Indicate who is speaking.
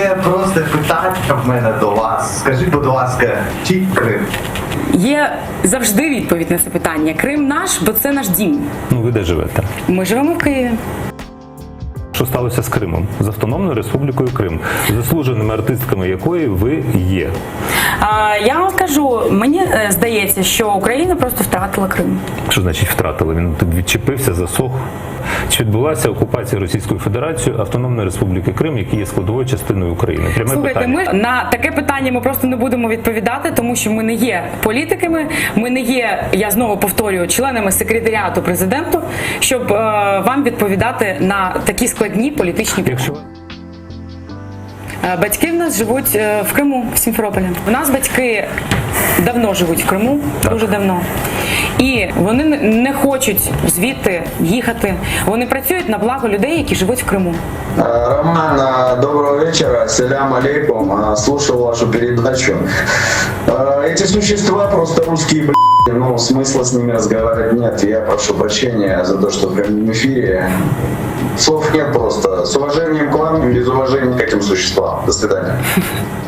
Speaker 1: Таке просто питання в мене до вас. Скажіть, будь ласка, чи Крим?
Speaker 2: Є завжди відповідь на це питання. Крим наш, бо це наш дім.
Speaker 3: Ну, ви де живете?
Speaker 2: Ми живемо в Києві.
Speaker 3: Що сталося з Кримом? З Автономною Республікою Крим, заслуженими артистками якої ви є.
Speaker 2: Я вам скажу, мені здається, що Україна просто втратила Крим.
Speaker 3: Що значить втратили? Він тут відчепився, засох. Чи відбулася окупація Російською Федерацією Автономної Республіки Крим, які є складовою частиною України? Пряме
Speaker 2: Слухайте,
Speaker 3: питання.
Speaker 2: ми на таке питання ми просто не будемо відповідати, тому що ми не є політиками, ми не є, я знову повторюю, членами секретаріату президенту, щоб вам відповідати на такі складні політичні питання.
Speaker 3: Якщо
Speaker 2: Батьки в нас живуть в Криму, в Сімферополі. У нас батьки давно живуть в Криму, дуже давно. І вони не хочуть звідти їхати. Вони працюють на благо людей, які живуть в Криму.
Speaker 4: Роман, доброго вечера, селям алейкум, слушал вашу передачу. Эти существа просто русские, ну смысла с ними разговаривать нет. Я прошу прощения за то, что в прямом эфире слов нет просто. С уважением к вам, без уважения к этим существам. До свидания.